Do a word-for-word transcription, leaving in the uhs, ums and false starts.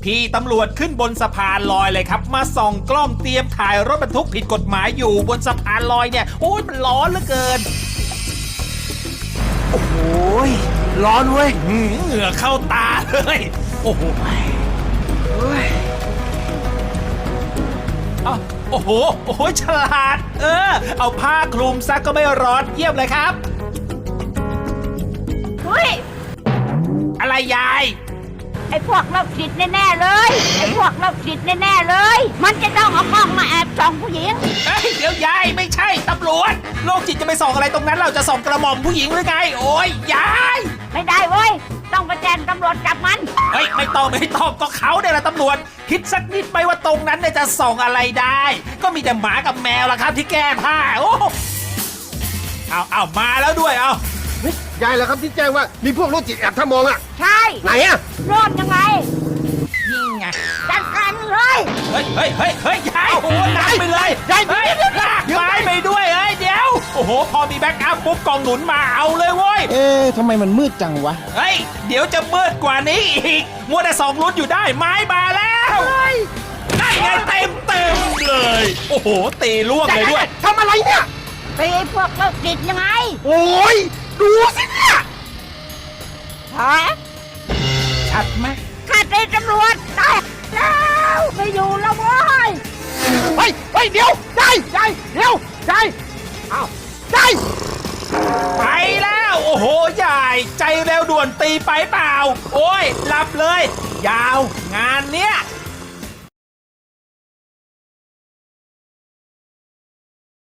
พี่ตำรวจขึ้นบนสะพานลอยเลยครับมาส่องกล้องเตรียมถ่ายรถบรรทุกผิดกฎหมายอยู่บนสะพานลอยเนี่ยโอ้ยมันร้อนเหลือเกินโอ้โหร้อนเว้ยหืมเหงื่อเข้าตาเลยโอ้โหเฮ้ยอ้าวโอ้โหโอ้โหฉลาด เออ เอาผ้าคลุมซะก็ไม่ร้อนเยี่ยมเลยครับเฮ้ยอะไรยายไอ้พวกโรคจิตแน่ๆเลยไอ้พวกโรคจิตแน่ๆเลย มันจะต้องเอากล้องมาแอบส่องผู้หญิงเฮ้ยเดี๋ยวยายไม่ใช่ตำรวจโรคจิตจะไปส่องอะไรตรงนั้นเราจะส่องกระหม่อมผู้หญิงหรือไงโอ้ยยายไม่ได้เว้ยต้องไปแจ้งตำรวจจับมันเฮ้ยไม่ต้องไม่ต้องก็เขาเนี่ยแหละตำรวจคิดสักนิดไหมว่าตรงนั้นเนี่ยจะส่องอะไรได้ ก็มีแต่หมากับแมวละครับที่แก้ผ้าโอ้เอาเอามาแล้วด้วยเอาเฮ้ยยายเหรอครับที่แจ้งว่ามีพวกโรคจิตแอบทำมองอ่ะใช่ไหนอ่ะโรดยังไงนี่ไงจัดการเลยเฮ้ยเฮ้ยเฮ้ยเฮ้ยยายโอ้โหหนักไปเลยยายเฮ้ยลากไม้ไปด้วยเอ้ยเดี๋ยวโอ้โหพอมีแบ็กอัพปุ๊บกองหนุนมาเอาเลยเว้ยเอ๊ะทำไมมันมืดจังวะเฮ้ยเดี๋ยวจะมืดกว่านี้อีกมัวแต่สองลุ้นอยู่ได้ไม้มาแล้วได้ไงเต็มเต็มเลยโอ้โหตีล่วงเลยด้วยทำอะไรเนี่ยไปไอ้พวกโรคจิตยังไงโอ้ยดูสิเนี่ยฮะชัดไหมข้าตีตำรวจได้แล้วไม่อยู่แล้วเว้ยเฮ้ยเฮ้ยเดี๋ยวได้ได้เดี๋ยวได้อ้าวได้ไปแล้วโอ้โหใหญ่ใจเร็วด่วนตีไปเปล่า โอ้ยหลับเลย ยาวงานเนี้ย